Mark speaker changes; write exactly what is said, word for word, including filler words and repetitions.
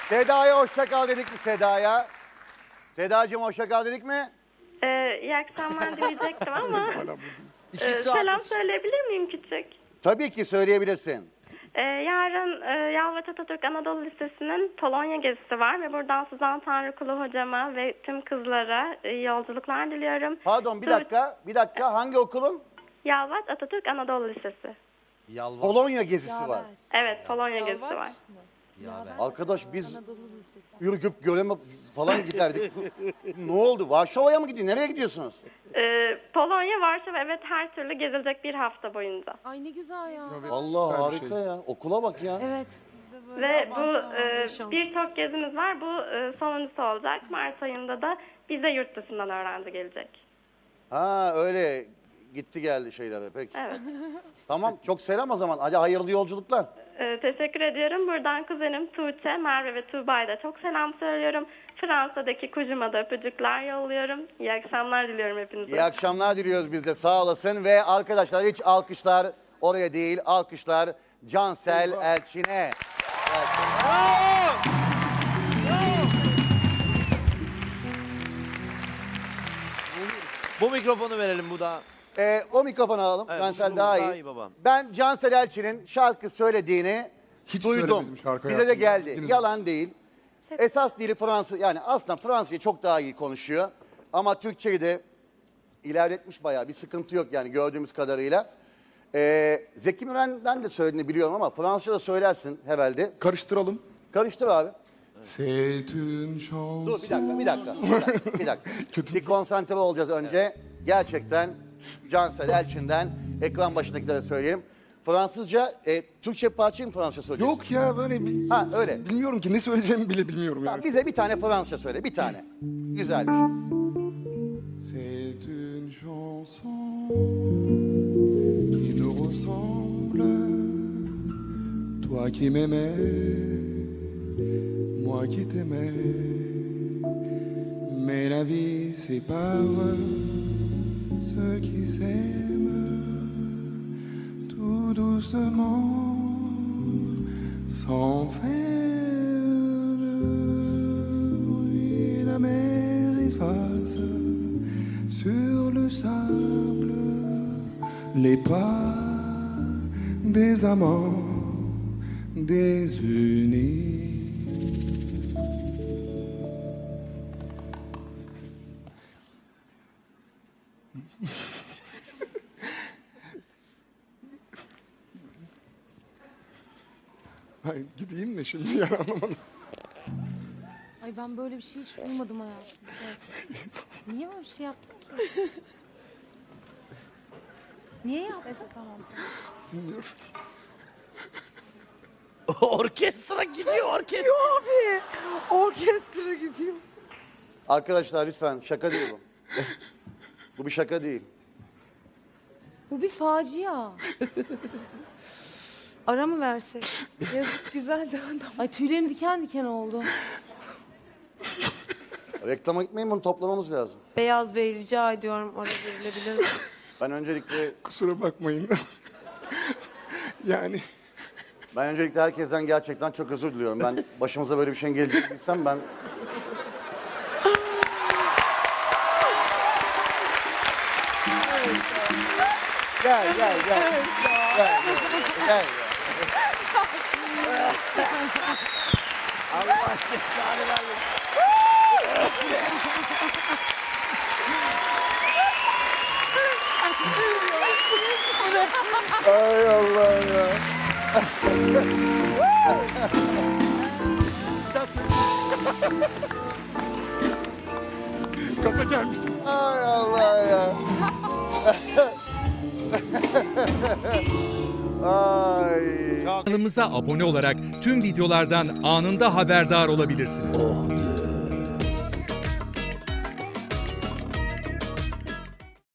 Speaker 1: Seda'ya hoşça kal dedik mi Seda'ya? Sedacığım hoşça kal dedik mi?
Speaker 2: Ee, iyi akşamlar diyecektim ama
Speaker 1: İki
Speaker 2: e,
Speaker 1: saat.
Speaker 2: selam söyleyebilir miyim küçük?
Speaker 1: Tabii ki söyleyebilirsin.
Speaker 2: Ee, yarın e, Yalvaç Atatürk Anadolu Lisesi'nin Polonya gezisi var ve buradan Suzan Tanrıkulu hocama ve tüm kızlara e, yolculuklar diliyorum.
Speaker 1: Pardon bir
Speaker 2: Dur-
Speaker 1: dakika, bir dakika hangi okulun?
Speaker 2: Yalvaç Atatürk Anadolu Lisesi.
Speaker 3: Yalvar.
Speaker 1: Polonya gezisi var.
Speaker 2: Evet, Polonya gezisi var.
Speaker 1: Arkadaş biz Ürgüp, Göreme falan giderdik. Ne oldu? Varşova'ya mı gidiyor? Nereye gidiyorsunuz?
Speaker 2: Ee, Polonya, Varşova, evet, her türlü gezilecek bir hafta boyunca.
Speaker 4: Ay ne güzel ya.
Speaker 1: Allah harika ya. Okula bak ya.
Speaker 4: Evet.
Speaker 2: Ve bu e, birçok gezimiz var. Bu e, sonuncusu olacak. Mart ayında da bize yurt dışından öğrenci gelecek.
Speaker 1: Ha öyle gitti geldi şeylere peki.
Speaker 2: Evet.
Speaker 1: Tamam çok selam o zaman. Hadi hayırlı yolculuklar.
Speaker 2: Ee, teşekkür ediyorum. Buradan kuzenim Tuğçe, Merve ve Tuğba'ya da çok selam söylüyorum. Fransa'daki kuzuma da öpücükler yolluyorum. İyi akşamlar diliyorum hepinize.
Speaker 1: İyi akşamlar diliyoruz biz de sağ olasın. Ve arkadaşlar hiç alkışlar oraya değil alkışlar Cansel Elçin'e.
Speaker 3: Bu mikrofonu verelim bu da.
Speaker 1: Ee, o mikrofonu alalım.
Speaker 3: Evet,
Speaker 1: Cansel
Speaker 3: bu
Speaker 1: daha
Speaker 3: daha
Speaker 1: iyi.
Speaker 3: iyi babam.
Speaker 1: Ben Cansel Elçin'in şarkı söylediğini
Speaker 5: Hiç
Speaker 1: duydum.
Speaker 5: söylemedim şarkı
Speaker 1: Bize de
Speaker 5: hayatımda.
Speaker 1: geldi.
Speaker 5: Bilmiyorum.
Speaker 1: Yalan değil. Esas dili Fransız. Yani aslında Fransızca çok daha iyi konuşuyor. Ama Türkçeyi de ilerletmiş bayağı. Bir sıkıntı yok yani gördüğümüz kadarıyla. Ee, Zeki Müren'den de söylediğini biliyorum ama Fransızca da söylersin herhalde.
Speaker 5: Karıştıralım.
Speaker 1: Karıştır abi.
Speaker 5: C'est une chanson.
Speaker 1: Dur bir dakika, bir dakika. Bir dakika. Bir, dakika. bir konsantre olacağız önce. Gerçekten Cansel Elçin'den ekran başındakilere söyleyelim. Fransızca, e, Türkçe parçayı mı Fransızca söyleyeceksin?
Speaker 5: Yok ya böyle bir...
Speaker 1: Ha, öyle.
Speaker 5: Bilmiyorum ki ne söyleyeceğimi bile bilmiyorum
Speaker 1: Tamam,
Speaker 5: yani.
Speaker 1: bize bir tane Fransızca söyle, bir tane. Güzel bir şey.
Speaker 5: C'est une chanson qui nous ressemble. Toi qui m'aimais, moi qui t'aimais. Mais la vie sépare ceux qui s'aiment tout doucement, sans faire de bruit. La mer efface sur le sable les pas des amants désunis. Ay, gideyim mi şimdi ya anlamadım.
Speaker 4: Ay ben böyle bir şey hiç duymadım hayatımda. Niye böyle bir şey yaptın ki? Niye yaptın? Tamam.
Speaker 5: Bilmiyorum.
Speaker 3: Orkestra gidiyor orkestra.
Speaker 4: Abi orkestra gidiyor.
Speaker 1: Arkadaşlar lütfen şaka değil bu. Bu bir şaka değil.
Speaker 4: Bu bir facia. Ara mı versek? Yazık güzel de adam. Ay tüylerim diken diken oldu.
Speaker 1: Reklama gitmeyin bunu toplamamız lazım.
Speaker 4: Beyaz Bey rica ediyorum ara verilebilir mi?
Speaker 1: Ben öncelikle
Speaker 5: Kusura bakmayın. Yani
Speaker 1: ben öncelikle herkesten gerçekten çok özür diliyorum. Ben başımıza böyle bir şeyin geleceğini bilsem ben Gel gel gel. Gel gel. Gel.
Speaker 3: Allah cezanı vermesin.
Speaker 1: Ay Allah ya.
Speaker 5: kasa gelmiş.
Speaker 1: Ay Allah ya. Ay.
Speaker 6: Kanalımıza abone olarak tüm videolardan anında haberdar olabilirsiniz.